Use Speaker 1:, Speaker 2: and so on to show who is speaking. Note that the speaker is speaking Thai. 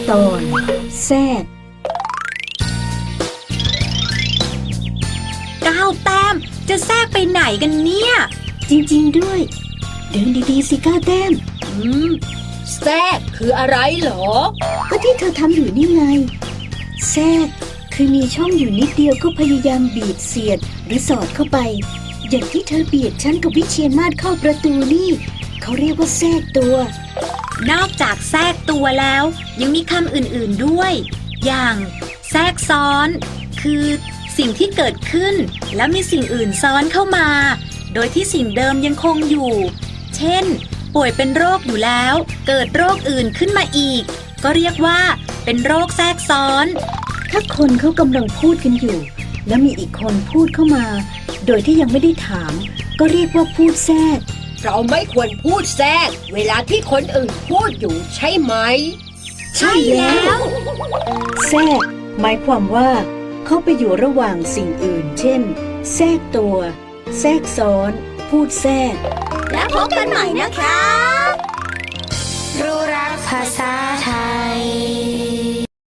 Speaker 1: ตอนแทรก
Speaker 2: 9 แต้มจะแทรกไปไหนกันเนี่ย
Speaker 1: จริงๆด้วยเดินดีๆสิ9 แต้ม
Speaker 2: แทรกคืออะไรเหรอ
Speaker 1: ก็ที่เธอทำอยู่นี่ไงแทรกคือมีช่องอยู่นิดเดียวก็พยายามบีบเสียดหรือสอดเข้าไปอย่างที่เธอเบียดฉันกับวิเชียรมาศเข้าประตูนี่เขาเรียกว่าแทรกตัวน
Speaker 2: อกจากแทรกตัวแล้วยังมีคำอื่นๆด้วยอย่างแทรกซ้อนคือสิ่งที่เกิดขึ้นแล้วมีสิ่งอื่นซ้อนเข้ามาโดยที่สิ่งเดิมยังคงอยู่เช่นป่วยเป็นโรคอยู่แล้วเกิดโรคอื่นขึ้นมาอีกก็เรียกว่าเป็นโรคแทรกซ้อน
Speaker 1: ถ้าคนเขากำลังพูดกันอยู่แล้วมีอีกคนพูดเข้ามาโดยที่ยังไม่ได้ถามก็เรียกว่าพูดแทรก
Speaker 3: เราไม่ควรพูดแทรกเวลาที่คนอื่นพูดอยู่ใช่ไหม
Speaker 2: ใช่แล้ว
Speaker 1: แทรกหมายความว่าเข้าไปอยู่ระหว่างสิ่งอื่นเช่นแทรกตัวแทรกซ้อนพูดแทรก
Speaker 2: แล้วพบกันใหม่นะคะรู้รักภาษา